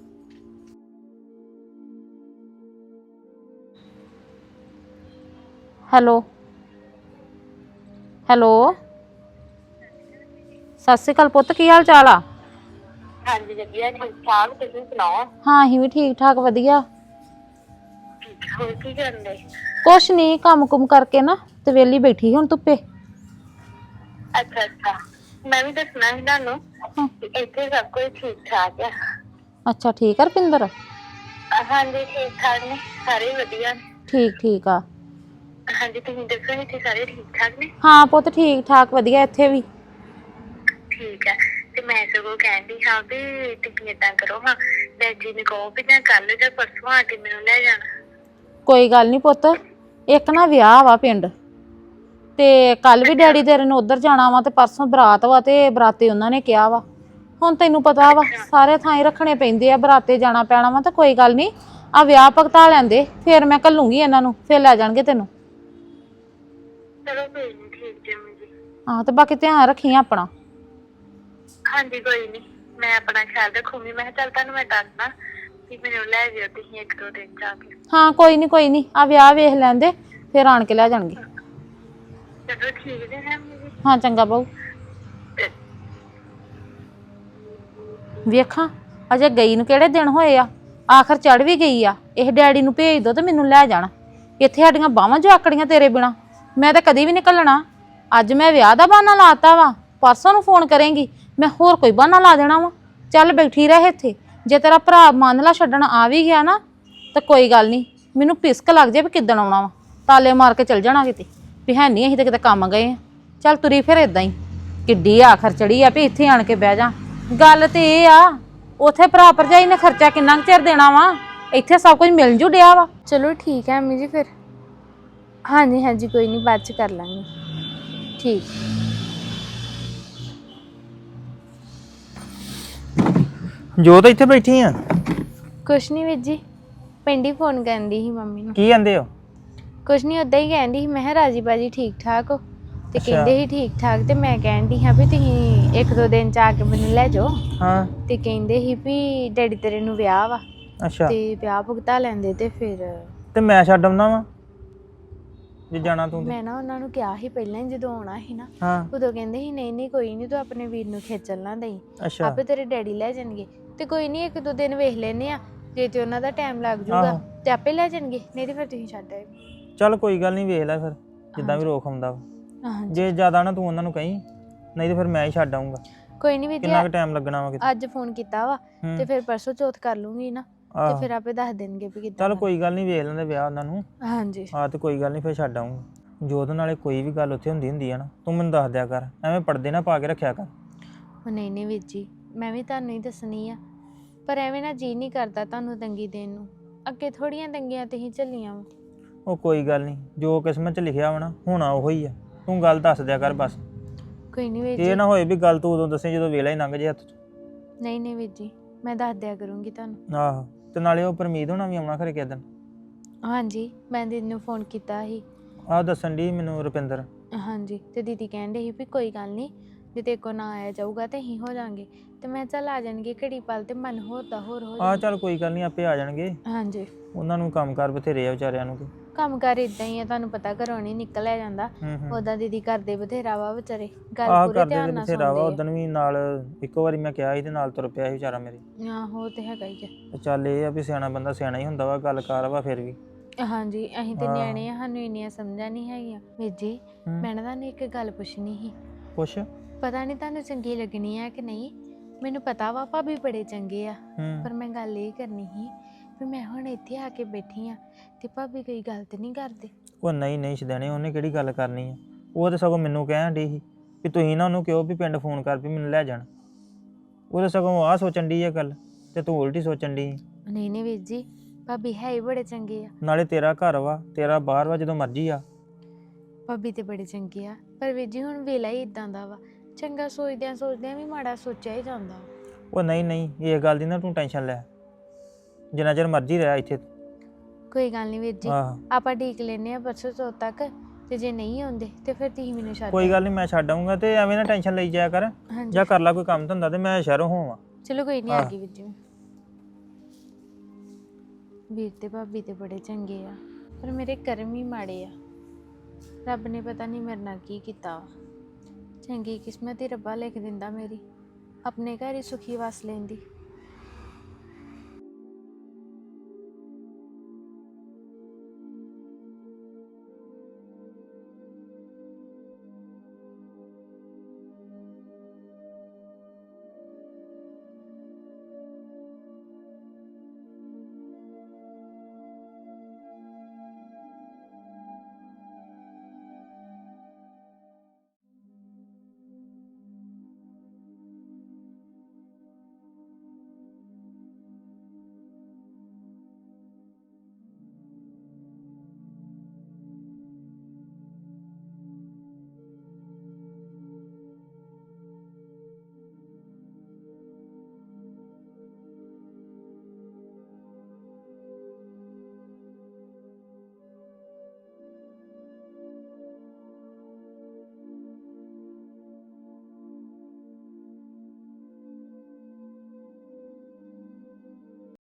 S4: ਹੈਲੋ ਹੈਲੋ, ਸਤਿ ਸ਼੍ਰੀ ਅਕਾਲ ਪੁੱਤ, ਕੀ ਹਾਲ ਚਾਲ ਆ?
S6: ਹਾਂਜੀ ਵਧੀਆ, ਠੀਕ ਠਾਕ। ਤੁਸੀਂ ਸੁਣਾਓ?
S4: ਹਾਂ ਅਸੀਂ ਵੀ ਠੀਕ ਠਾਕ ਵਧੀਆ।
S6: ਹੋਰ ਕੀ ਕਰਦੇ?
S4: ਕੁਛ ਨਹੀਂ, ਕੰਮ ਕੁਮ ਕਰਕੇ ਨਾ ਤੇ ਵਿਹਲੀ ਬੈਠੀ ਹੁਣ ਧੁੱਪੇ।
S6: ਅੱਛਾ ਅੱਛਾ, ਮੈਂ ਵੀ ਦੱਸਣਾ ਸੀ ਤੁਹਾਨੂੰ ਕਿ ਇੱਥੇ ਸਭ ਕੁਝ ਠੀਕ ਠਾਕ ਆ।
S4: ਅੱਛਾ ਠੀਕ ਆ ਰੁਪਿੰਦਰ?
S6: ਹਾਂਜੀ ਠੀਕ ਠਾਕ ਨੇ ਸਾਰੇ, ਵਧੀਆ ਨੇ।
S4: ਠੀਕ ਠੀਕ ਆ।
S6: ਹਾਂਜੀ ਤੁਸੀਂ ਦੱਸੋ, ਇੱਥੇ ਸਾਰੇ ਠੀਕ ਠਾਕ ਨੇ?
S4: ਹਾਂ ਪੁੱਤ ਠੀਕ ਠਾਕ ਵਧੀਆ ਇੱਥੇ ਵੀ।
S6: ਠੀਕ ਹੈ। ਤੇ ਮੈਂ ਸਗੋਂ ਕਹਿੰਦੀ ਹਾਂ ਵੀ ਤੁਸੀਂ ਏਦਾਂ ਕਰੋ, ਹਾਂ ਡੈਡੀ ਨੂੰ ਕਹੋ ਵੀ ਜਾਂ ਕੱਲ ਜਾਂ ਪਰਸੋਂ ਆ ਕੇ ਮੈਨੂੰ ਲੈ ਜਾਣਾ।
S4: ਕੋਈ ਗੱਲ ਨਹੀਂ ਪੁੱਤ, ਇੱਕ ਨਾ ਵਿਆਹ ਵਾ ਪਿੰਡ, ਤੇ ਕੱਲ ਵੀ ਡੈਡੀ ਤੇਰੇ ਨੂੰ ਉਧਰ ਜਾਣਾ ਵਾ, ਤੇ ਪਰਸੋਂ ਬਰਾਤ ਵਾ, ਤੇ ਬਰਾਤੇ ਉਹਨਾਂ ਨੇ ਕਿਹਾ ਵਾ। ਹੁਣ ਤੈਨੂੰ ਪਤਾ ਵਾ ਸਾਰੇ ਥਾਂ ਹੀ ਰੱਖਣੇ ਪੈਂਦੇ ਆ, ਬਰਾਤੇ ਜਾਣਾ ਪੈਣਾ ਵਾ। ਤਾਂ ਕੋਈ ਗੱਲ ਨਹੀਂ, ਆ ਵਿਆਹ ਭਗਤਾ ਲੈਂਦੇ, ਫਿਰ ਮੈਂ ਘੱਲੂਗੀ ਇਹਨਾਂ ਨੂੰ, ਫਿਰ ਲੈ ਜਾਣਗੇ ਤੈਨੂੰ।
S6: ਚਲੋ ਕੋਈ ਨੀ, ਠੀਕ ਜੀ ਮੰਮੀ ਜੀ।
S4: ਹਾਂ ਤੇ ਬਾਕੀ ਧਿਆਨ ਰੱਖੀ ਆਪਣਾ।
S6: ਹਾਂਜੀ ਕੋਈ ਨੀ, ਮੈਂ ਆਪਣਾ ਖਿਆਲ ਰੱਖੂਗੀ। ਮੈਂ ਕਿਹਾ ਚੱਲ ਤੁਹਾਨੂੰ ਮੈਂ ਦੱਸਦਾ ਕਿ ਮੈਨੂੰ ਲੈ ਜਾਇਓ ਤੁਸੀਂ ਇੱਕ ਦੋ ਦਿਨ ਜਾ ਕੇ।
S4: ਹਾਂ ਕੋਈ ਨਹੀਂ ਕੋਈ ਨਹੀਂ, ਆ ਵਿਆਹ ਵੇਖ ਲੈਂਦੇ, ਫਿਰ ਆਣ ਕੇ ਲੈ ਜਾਣਗੇ।
S6: ਚਲੋ ਠੀਕ ਜੀ ਹੈ ਮੰਮੀ ਜੀ।
S4: ਹਾਂ ਚੰਗਾ ਬਾਊ। ਵੇਖਾਂ ਅਜੇ ਗਈ ਨੂੰ ਕਿਹੜੇ ਦਿਨ ਹੋਏ ਆ, ਆਖਰ ਚੜ ਵੀ ਗਈ ਆ। ਇਹ ਡੈਡੀ ਨੂੰ ਭੇਜ ਦੋ ਤੇ ਮੈਨੂੰ ਲੈ ਜਾਣਾ। ਇੱਥੇ ਸਾਡੀਆਂ ਬਾਹਾਂ ਜੋ ਆਕੜੀਆਂ ਤੇਰੇ ਬਿਨਾ, ਮੈਂ ਤਾਂ ਕਦੀ ਵੀ ਨਹੀਂ ਘੱਲਣਾ। ਅੱਜ ਮੈਂ ਵਿਆਹ ਦਾ ਬਹਾਨਾ ਲਾਤਾ ਵਾ, ਪਰਸੋਂ ਨੂੰ ਫੋਨ ਕਰੇਂਗੀ, ਮੈਂ ਹੋਰ ਕੋਈ ਬਹਾਨਾ ਲਾ ਦੇਣਾ ਵਾ। ਚੱਲ ਬੈਠੀ ਰਹਿ ਇੱਥੇ। ਜੇ ਤੇਰਾ ਭਰਾ ਮੰਨ ਲਾ ਛੱਡਣ ਆ ਵੀ ਗਿਆ ਨਾ ਤਾਂ ਕੋਈ ਗੱਲ ਨਹੀਂ, ਮੈਨੂੰ ਪਿਸਕ ਲੱਗ ਜੇ ਵੀ ਕਿੱਦਣ ਆਉਣਾ ਵਾ, ਤਾਲੇ ਮਾਰ ਕੇ ਚੱਲ ਜਾਣਾ ਕਿਤੇ ਵੀ ਹੈ ਨਹੀਂ ਅਸੀਂ ਤਾਂ ਕਿਤੇ ਕੰਮ ਗਏ ਆ। ਚੱਲ ਤੁਰੀ ਫਿਰ ਇਦਾਂ ਹੀ, ਕਿੱਡੀ ਆਖਰ ਚੜੀ ਆ ਵੀ ਇੱਥੇ ਆਣ ਕੇ ਬਹਿ ਜਾ। ਗੱਲ ਤੇ ਇਹ ਆ, ਉੱਥੇ ਭਰਾ ਭਰਜਾਈ ਨੇ ਖਰਚਾ ਕਿੰਨਾ ਕੁ ਚਿਰ ਦੇਣਾ ਵਾ, ਇੱਥੇ ਸਭ ਕੁਝ ਮਿਲ ਜੂ ਡਿਆ ਵਾ।
S2: ਚਲੋ ਠੀਕ ਹੈ ਅੰਮੀ ਜੀ ਫਿਰ। ਹਾਂਜੀ ਹਾਂਜੀ ਕੋਈ ਨਹੀਂ, ਬਾਅਦ ਚ ਕਰ ਲਾਂਗੇ। ਠੀਕ।
S1: ਜੋ ਤਾਂ ਇੱਥੇ ਬੈਠੀ ਆ।
S2: ਕੁਛ ਨਹੀਂ ਵੀਰ ਜੀ, ਪਿੰਡ ਹੀ ਫੋਨ ਕਰਨ ਦੀ ਸੀ ਮੰਮੀ ਨੂੰ।
S1: ਕੀ ਕਹਿੰਦੇ ਹੋ?
S2: ਕੁਛ ਨਹੀਂ, ਉਦਾਂ ਹੀ ਕਹਿਣ ਦੀ ਸੀ। ਮੈਂ ਕਿਹਾ ਰਾਜੀ ਬਾਜੀ ਠੀਕ ਠਾਕ ਹੋ? ਤੇ
S1: ਅੱਛਾ।
S2: ਕਹਿੰਦੇ ਸੀ ਠੀਕ ਠਾਕ। ਤੇ ਮੈਂ ਕਹਿਣ ਦੀ ਹਾਂ ਵੀ ਤੁਸੀਂ ਇੱਕ ਦੋ ਦਿਨ ਚ ਆ ਕੇ ਮੈਨੂੰ ਲੈ ਜਾਓ।
S1: ਹਾਂ।
S2: ਤੇ ਕਹਿੰਦੇ ਸੀ ਵੀ ਡੈਡੀ ਤੇਰੇ ਨੂੰ ਵਿਆਹ ਵਾ,
S1: ਅੱਛਾ,
S2: ਤੇ ਵਿਆਹ ਭੁਗਤਾ ਲੈਂਦੇ ਤੇ ਫਿਰ।
S1: ਤੇ ਮੈਂ ਛੱਡ ਆਉਣਾ ਵਾ ਜੇ ਜਾਣਾ ਤੂੰ ਤੇ।
S2: ਮੈਂ ਨਾ ਉਹਨਾਂ ਨੂੰ ਕਿਹਾ ਸੀ ਪਹਿਲਾਂ ਹੀ, ਜਦੋਂ ਆਉਣਾ ਸੀ ਨਾ,
S1: ਹਾਂ।
S2: ਉਦੋਂ ਕਹਿੰਦੇ ਸੀ ਨਹੀਂ ਨਹੀਂ ਕੋਈ ਨਹੀਂ, ਤੂੰ ਆਪਣੇ ਵੀਰ ਨੂੰ ਖੇਚਲ ਨਾ ਦੇਈ,
S1: ਅੱਛਾ।
S2: ਆਪੇ ਤੇਰੇ ਡੈਡੀ ਲੈ ਜਾਣਗੇ। ਤੇ ਕੋਈ ਨਹੀਂ, ਇੱਕ ਦੋ ਦਿਨ ਵੇਖ ਲੈਨੇ ਆ, ਜੇ ਤੇ ਉਹਨਾਂ ਦਾ ਟਾਈਮ ਲੱਗ ਜੂਗਾ
S1: ਆਹੋ।
S2: ਤੇ ਆਪੇ ਲੈ ਜਾਣਗੇ, ਨਹੀਂ ਤੇ ਫਿਰ ਤੁਸੀਂ ਛੱਡ ਆਇਓ।
S1: ਚੱਲ ਕੋਈ ਗੱਲ ਨਹੀਂ, ਵੇਖ ਲੈ ਫਿਰ ਜਿੱਦਾਂ ਵੀ ਰੋਕ ਆਉਂਦਾ ਵਾ।
S2: ਹਾਂਜੀ
S1: ਜੇ ਜ਼ਿਆਦਾ ਨਾ ਤੂੰ ਉਹਨਾਂ ਨੂੰ ਕਹੀਂ, ਨਹੀਂ ਤੇ ਫਿਰ ਮੈਂ ਹੀ ਛੱਡ ਆਉਂਗਾ।
S2: ਕੋਈ ਨਹੀਂ ਵੀਰ
S1: ਕਿੰਨਾ ਕੁ
S2: ਜੀ,
S1: ਟਾਈਮ ਲੱਗਣਾ ਵਾ ਕਿਤੇ।
S2: ਅੱਜ ਫੋਨ ਕੀਤਾ ਵਾ ਤੇ ਫਿਰ ਪਰਸੋਂ ਚੌਥ ਕਰ ਲੂੰਗੀ ਨਾ, ਤੇ
S1: ਆਹੋ।
S2: ਫਿਰ ਆਪੇ ਦੱਸ ਦੇਣਗੇ ਵੀ ਕਿੱਦਾਂ।
S1: ਚੱਲ ਕੋਈ ਗੱਲ ਨਹੀਂ, ਵੇਖ ਲੈਂਦੇ ਵਿਆਹ ਉਹਨਾਂ ਨੂੰ।
S2: ਹਾਂਜੀ
S1: ਆ ਤੇ ਕੋਈ ਗੱਲ ਨਹੀਂ, ਫਿਰ ਛੱਡ ਆਉਂਗਾ। ਜੋ ਉਹਦੇ ਨਾਲੇ ਕੋਈ ਵੀ ਗੱਲ ਉੱਥੇ ਹੁੰਦੀ ਹੁੰਦੀ ਆ ਨਾ, ਤੂੰ ਮੈਨੂੰ ਦੱਸ ਦਿਆ ਕਰ, ਐਵੇਂ ਪਰਦੇ ਨਾ ਪਾ ਕੇ ਰੱਖਿਆ ਕਰ।
S2: ਉਹ ਨਹੀਂ ਨਹੀਂ ਵੀਰ ਜੀ, ਮੈਂ ਵੀ ਤੁਹਾਨੂੰ ਹੀ ਦੱਸਣੀ ਆ, ਪਰ ਐਵੇਂ ਨਾ ਜੀ ਨਹੀਂ ਕਰਦਾ ਤੁਹਾਨੂੰ ਤੰਗੀ ਦੇਣ ਨੂੰ। ਅੱਗੇ ਥੋੜੀਆਂ ਤੰਗੀਆਂ ਤੇ ਹੀ ਝੱਲੀਆਂ ਵਾ।
S1: ਉਹ ਕੋਈ ਗੱਲ ਨਹੀਂ, ਜੋ ਕਿਸਮਤ 'ਚ ਲਿਖਿਆ ਵਾ ਨਾ, ਹੋਣਾ ਉਹੋ ਹੀ ਆ। ਤੂੰ ਗੱਲ ਦੱਸ ਦਿਆ ਕਰ ਬਸ।
S2: ਕੋਈ ਨਹੀਂ ਵੀਰ
S1: ਇਹ
S2: ਜੀ।
S1: ਨਾ ਹੋਏ ਵੀ ਗੱਲ ਤੂੰ ਉਦੋਂ ਦੱਸੇ ਜਦੋਂ ਵੇਲਾ ਹੀ ਲੰਘ ਜੇ ਹੱਥ 'ਚ।
S2: ਨਹੀਂ ਨਹੀਂ ਵੀਰ ਜੀ, ਮੈਂ ਦੱਸ ਦਿਆ ਕਰੂੰਗੀ ਤੁਹਾਨੂੰ।
S1: ਆਹੋ, ਤੇ ਨਾਲੇ ਉਹ ਪਰਮੀਤ ਹੋਣਾ ਵੀ ਆਉਣਾ ਖਰੇ ਕਿਸੇ ਦਿਨ।
S2: ਹਾਂਜੀ, ਮੈਂ ਦੀਦੀ ਨੂੰ ਫੋਨ ਕੀਤਾ ਸੀ।
S1: ਆਹ ਦੱਸਣ ਦੀ ਮੈਨੂੰ ਰੁਪਿੰਦਰ।
S2: ਹਾਂਜੀ, ਤੇ ਦੀਦੀ ਕਹਿੰਦੇ ਸੀ ਵੀ ਕੋਈ ਗੱਲ ਨਹੀਂ, ਜੇ ਤੇ ਕੋ ਨਾ ਆਇਆ ਜਾਊਗਾ ਤੇ ਅਸੀਂ ਹੋ ਜਾਾਂਗੇ। ਤੇ ਮੈਂ ਚੱਲ ਆ ਜਾਣਗੇ ਘੜੀ ਪਲ, ਤੇ ਮਨ ਹੋਰ ਦਾ ਹੋਰ ਹੋ
S1: ਆਹ
S2: ਜਾਣਾ।
S1: ਚੱਲ ਕੋਈ ਗੱਲ ਨਹੀਂ, ਆਪੇ ਆ ਜਾਣਗੇ।
S2: ਹਾਂਜੀ,
S1: ਉਹਨਾਂ ਨੂੰ ਕੰਮ ਕਾਰ ਬਥੇਰੇ ਆ ਵਿਚਾਰਿਆਂ ਨੂੰ।
S2: ਕੰਮ ਕਾਰ ਇਦਾਂ ਹੀ ਆ, ਤੁਹਾਨੂੰ ਪਤਾ ਘਰੋਂ ਨਹੀਂ ਨਿਕਲਿਆ ਜਾਂਦਾ।
S1: ਹੂੰ ਹੂੰ।
S2: ਉਹਦਾ ਦੀਦੀ ਕਰਦੇ ਬਥੇਰਾ ਵਾ ਵਿਚਾਰੇ, ਗੱਲ
S1: ਆਹ
S2: ਪੂਰੇ
S1: ਕਰਦੇ
S2: ਧਿਆਨ
S1: ਤੇ
S2: ਨਾਲ
S1: ਬਥੇਰਾ ਵਾ।
S2: ਸੁਣਦੇ
S1: ਉਦੋਂ ਵੀ ਨਾਲ ਇੱਕੋ ਵਾਰੀ ਮੈਂ ਕਿਹਾ ਸੀ ਤੇ ਨਾਲ ਤੁਰ ਪਿਆ ਸੀ ਵਿਚਾਰਾ ਮੇਰੇ।
S2: ਆ। ਆਹੋ ਉਹ ਤੇ ਹੈਗਾ ਹੀ ਆ।
S1: ਤੇ ਚੱਲ ਇਹ ਆ ਵੀ ਸਿਆਣਾ ਬੰਦਾ ਸਿਆਣਾ ਹੀ ਹੁੰਦਾ ਵਾ, ਗੱਲ ਕਾਰ ਵਾ ਫਿਰ ਵੀ।
S2: ਹਾਂਜੀ, ਅਸੀਂ ਤੇ
S1: ਹਾਂ।
S2: ਨਿਆਣੇ ਆ, ਸਾਨੂੰ ਇੰਨੀਆਂ ਸਮਝਾਂ ਨਹੀਂ ਹੈਗੀਆਂ। ਵੀਰ ਜੀ,
S1: ਹੂੰ।
S2: ਮੈਂ ਨਾ ਤੁਹਾਨੂੰ ਇੱਕ ਗੱਲ ਪੁੱਛਣੀ ਸੀ।
S1: ਕੁਛ
S2: ਪਤਾ ਨਹੀਂ ਤੁਹਾਨੂੰ ਚੰਗੀ ਲੱਗਣੀ ਆ ਕਿ ਨਹੀਂ, ਮੈਨੂੰ ਪਤਾ ਵਾ ਭਾਬੀ ਬੜੇ ਚੰਗੇ ਆ,
S1: ਹੂੰ
S2: ਪਰ ਮੈਂ ਗੱਲ ਇਹ ਕਰਨੀ ਸੀ ਵੀ ਮੈਂ ਹੁਣ ਇੱਥੇ ਆ ਕੇ ਬੈਠੀ ਆ ਤੇ ਭਾਬੀ ਕੋਈ ਗੱਲ ਤੇ ਨਹੀਂ ਕਰਦੇ।
S1: ਉਹ ਨਹੀਂ ਨਹੀਂ ਛਦਣੇ, ਉਹਨੇ ਕਿਹੜੀ ਗੱਲ ਕਰਨੀ ਆ। ਉਹ ਤਾਂ ਸਗੋਂ ਮੈਨੂੰ ਕਹਿਣ ਡਈ ਸੀ ਵੀ ਤੁਸੀਂ ਨਾ ਉਹਨੂੰ ਕਿਹਾ ਵੀ ਪਿੰਡ ਫੋਨ ਕਰ ਵੀ ਮੈਨੂੰ ਲੈ ਜਾਣ। ਉਹ ਤਾਂ ਸਗੋਂ ਆਹ ਸੋਚਣ ਡਈ ਆ ਗੱਲ, ਤੇ ਤੂੰ ਉਲਟੀ ਸੋਚਣ ਡਈ।
S2: ਨਹੀਂ ਨਹੀਂ ਵੀਰ ਜੀ, ਭਾਬੀ ਹੈ ਹੀ ਬੜੇ ਚੰਗੇ ਆ।
S1: ਨਾਲੇ ਤੇਰਾ ਘਰ ਵਾ, ਤੇਰਾ ਬਾਹਰ ਵਾ, ਜਦੋਂ ਮਰਜ਼ੀ ਆ।
S2: ਭਾਬੀ ਤੇ ਬੜੇ ਚੰਗੇ ਆ, ਪਰ ਵੀਰ ਜੀ ਹੁਣ ਵੇਲਾ ਹੀ ਇਦਾਂ ਦਾ ਵਾ, ਚੰਗਾ ਸੋਚਦਿਆਂ ਸੋਚਦਿਆਂ ਵੀ ਮਾੜਾ ਸੋਚਿਆ ਹੀ ਜਾਂਦਾ।
S1: ਉਹ ਨਹੀਂ ਨਹੀਂ, ਇਹ ਗੱਲ ਦੀ ਨਾ ਤੂੰ ਟੈਨਸ਼ਨ ਲੈ, ਜਿੰਨਾ ਚਿਰ ਮਰਜ਼ੀ ਰਹਿ ਇੱਥੇ।
S2: ਕੋਈ ਗੱਲ ਨਹੀਂ ਵੀਰ ਜੀ,
S1: ਆਹ
S2: ਆਪਾਂ ਢੀਕ ਲੈਨੇ ਆ ਪਰਸੋਂ ਤੋਂ ਤੱਕ, ਤੇ ਜੇ ਨਹੀਂ ਆਉਂਦੇ ਤੇ ਫਿਰ ਤੁਸੀਂ ਮੈਨੂੰ ਛੱਡ
S1: ਕੋਈ ਗੱਲ ਨਹੀਂ, ਮੈਂ ਛੱਡ ਆਊਂਗਾ। ਤੇ ਐਵੇਂ ਨਾ ਟੈਨਸ਼ਨ ਲਈ ਜਾਇਆ ਕਰ,
S2: ਹਾਂਜੀ
S1: ਜਾਂ ਕਰ ਲੈ ਕੋਈ ਕੰਮ ਧੰਦਾ, ਤੇ ਮੈਂ ਸ਼ਹਿਰੋਂ ਹੋਵਾਂ।
S2: ਚਲੋ ਕੋਈ ਨਹੀਂ, ਆ
S1: ਆਹ।
S2: ਗਈ ਵੀਰ ਜੀ। ਵੀਰ ਤੇ ਭਾਬੀ ਤੇ ਬੜੇ ਚੰਗੇ ਆ, ਪਰ ਮੇਰੇ ਕਰਮ ਹੀ ਮਾੜੇ ਆ। ਰੱਬ ਨੇ ਪਤਾ ਨਹੀਂ ਮੇਰੇ ਨਾਲ ਕੀ ਕੀਤਾ ਵਾ। ਚੰਗੀ ਕਿਸਮਤ ਹੀ ਰੱਬਾ ਲਿਖ ਦਿੰਦਾ ਮੇਰੀ, ਆਪਣੇ ਘਰ ਹੀ ਸੁਖੀ ਵਸ ਲੈਂਦੀ।